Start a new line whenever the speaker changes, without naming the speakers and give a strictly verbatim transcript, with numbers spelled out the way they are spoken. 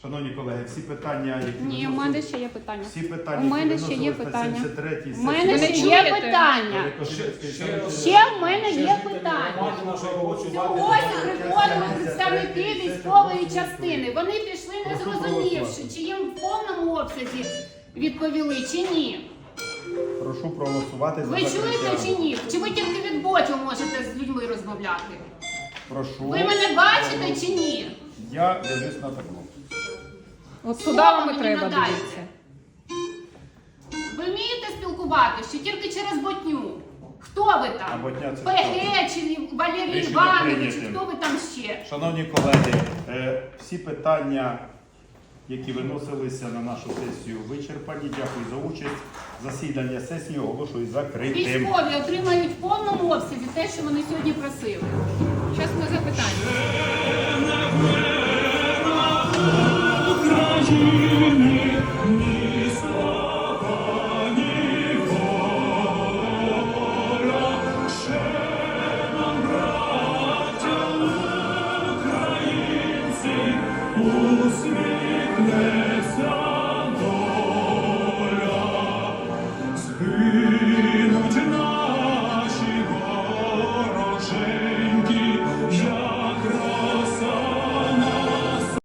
Шановні колеги, всі питання, які
Ні, у мене ще є питання.
всі питання,
У мене
які
ще є
виносились на
питання.
сімдесят третій
У мене
сесії,
ще є питання. Ще в мене є питання. Сьогодні приходили представники військової частини. Вони пішли, не зрозумівши, чи їм в повному обсязі відповіли, чи ні.
Прошу проголосувати за
Ви
закриття.
чуєте чи ні? Чи ви тільки від ботів можете з людьми розмовляти?
Прошу.
Ви мене бачите чи ні?
Я дивлюсь на табло.
От
Слово
туди вам і
мені
треба
надайте.
дивитися.
Ви вмієте спілкуватися, чи тільки через ботню? Хто ви
А
там?
ботня це
ПГ чи Валерій
Рішення
Іванович, чи
прийняте.
хто ви там ще?
Шановні колеги, е, всі питання, які виносилися на нашу сесію, вичерпані. Дякую за участь. Засідання сесії оголошую закритим.
Військові отримають в повному обсязі те, що вони сьогодні просили.
Зараз ми запитання.
Усміхнеться